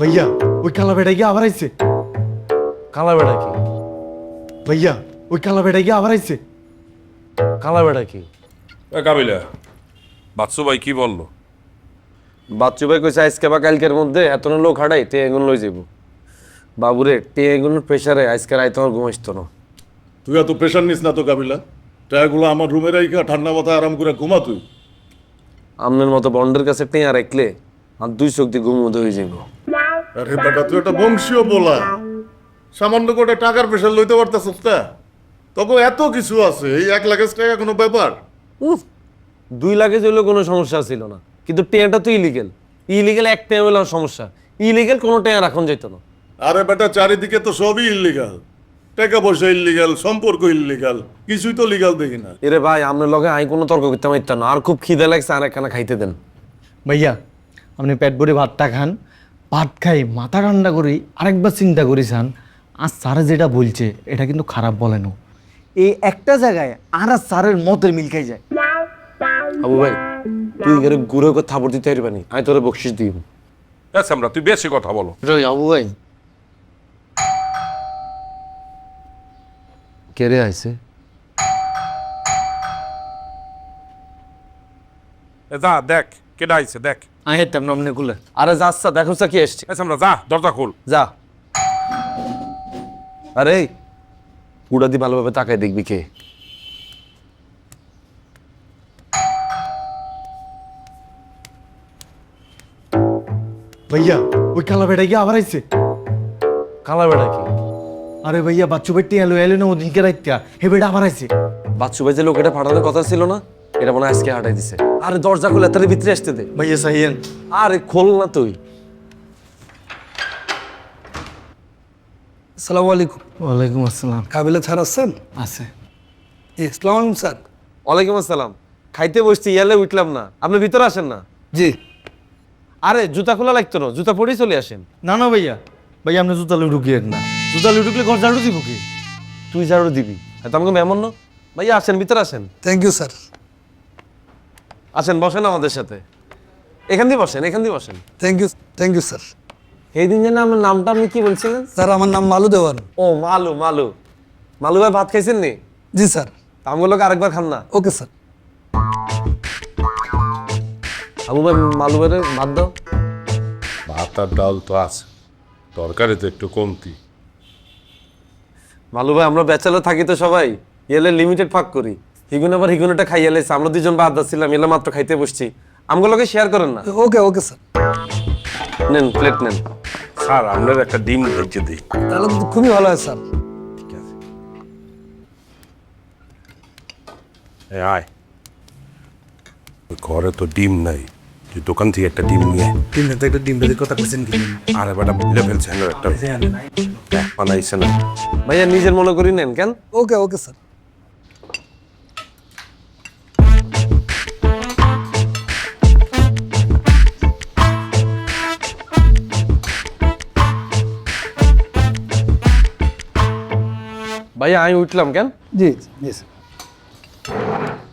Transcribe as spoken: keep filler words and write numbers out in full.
ভাইয়া ওই কালা বেটা গিয়ে আবার আইছে। কালা বেড়া কি? ভাইয়া ওই কালা বেটা গিয়ে আবার আইছে। কালা বেড়া কি? এ কাবিলা, বাচ্চু ভাই কি বললো? বাচ্চু ভাই কইছে আজকে বা কালকের মধ্যে এত লোক হাঁটাই তে এগুলো লই যাব। বাবুরে তে এগুলোর প্রেসারে আজকে রাইতে আমার ঘুম আসতো না। তুই এত প্রেশার নিস না তো কাবিলা, টায়াগুলো আমার রুমে রাইখা ঠান্ডা মাথায় আরাম করে ঘুমা তুই। আমনের মতো বন্ডের কাছে টেয়া রাখলে আর দুই চোখ দিয়ে ঘুম উদয় হয়ে যাবো। আরে বেটা তুই একটা বংশীয় বলা, সামান্য করে টাকার প্রেশার লইতে পারতেছিস না? তবে এত কিছু আছে, এই এক লাখ টাকা কোনো ব্যাপার? উফ, দুই লাখে হইলেও কোনো সমস্যা ছিল না, কিন্তু টেয়াটা তো ইলিগেল। ইলিগেল এক টেয়া হইলে সমস্যা, ইলিগেল কোনো টেয়া রাখন যেত না। আরে বেটা চারিদিকে তো সবই ইল্লিগাল, টাকা পয়সা ইল্লিগাল, সম্পর্ক ইল্লিগাল, কিছুই তো লিগাল দেখি না। এরে ভাই আপনার লগে আই কোনো তর্ক করতে পারতাম না, আর খুব খিদে লাগছে, আর একখানা খাইতে দেন। ভাইয়া আপনি পেট ভরে ভাতটা খান, ভাত খাই মাথা ঠান্ডা করি আরেকবার চিন্তা করি খান। আর স্যারে যেটা বলছে এটা কিন্তু খারাপ বলেন। এই একটা জায়গায় আর আর স্যারের মতের মিল খাই যায়। আবু ভাই তুই এর ঘুরে করে থাপড় দিতে পারবি, আমি তোরে বকশিস দিব। আচ্ছা আমরা তুই বেশি কথা বলো। রই আবু ভাই কেড়ে আইছে? এ যা দেখ কেডা আইছে দেখ। আমি হেঁটতাম নমনে খুলে। আরে যাচ্ছা দেখো কি এসছে। আচ্ছা আমরা যা দরজা খোল। যা। আরে পুরা দি ভালোভাবে তাকাই দেখবি কে। ভাইয়া ওই কালা বেটা গিয়ে আবার আইছে। কালা বেড়া কি? আরে ভাইয়া বাচ্চু বেটি এলো এলো না ওদিনকে রাইত্যা হে বেটা আবার আইছে। বাচ্চু ভাই যে লোক এটা ফাটানোর কথা ছিল না, এটা মনে হয় আজকে হাঁটাই দিছে। আরে দরজা খুলে তার ভিতরে আসতে দে। ভাইয়া সাইয়েন। আরে খোল না তুই। আসসালামু আলাইকুম। ওয়ালাইকুম আসসালাম। কাবিলা স্যার আছেন? আছে। আসসালামু আলাইকুম স্যার। ওয়ালাইকুম আসসালাম। খাইতে বসছি ইয়ালে উঠলাম না, আপনি ভিতরে আসেন না। জি। আরে জুতা খোলা লাগতো না, জুতা পরেই চলে আসেন। না না ভাইয়া, ভাইয়া আপনি জুতা লুই ঢুকিয়ে না, জুতা লুই ঢুকলে ঘর ঝাড়ু দিব কি? তুই ঝাড়ু দিবি? তো আমাকে মেমন না ভাইয়া, আসেন ভিতরে আসেন। Thank you sir. আসেন বসেন আমাদের সাথে, এখান দিয়ে বসেন, এখান দিয়ে বসেন। Thank you thank you sir. এই দিন যেন আমার নামটা আপনি কি বলছিলেন? স্যার আমার নাম মালু দেওয়ান। ও মালু। মালু মালু ভাই ভাত খাইছেন নি? জি স্যার। আমগুলোকে আরেকবার খান না। Okay sir. আবু ভাই মালু ভাইরে ভাত দাও। ভাত আর ডাল তো আছে, তরকারি তো একটু কমতি। মালু ভাই আমরা ব্যাচেলর থাকি তো সবাই, এলে লিমিটেড ফাঁক করি। হিগুন আবার হিগুনটা খাইয়ে এলেছে, আমরা দুজন বাদ দাচ্ছিলাম, এলে মাত্র খাইতে বসছি। আমগুলোকে শেয়ার করেন না। Okay okay sir. নেন প্লেট নেন। স্যার আপনার একটা ডিম ভেজে দিই। তাহলে তো খুবই ভালো হয় স্যার। ঠিক আছে, এ আয়। ওই ঘরে তো ডিম নাই, তুই দোকান থেকে একটা ডিম নিয়ে আয়। তিন দিন তো একটা ডিম ভেজে কথা বলছেন কি? আরে বেটা ভুলে ফেলছে না একটা বানাইছে না। ভাইয়া নিজের মনে করি নেন কেন। Okay okay sir. ভাইয়া আমি উঠলাম কেন? জি জি স্যার।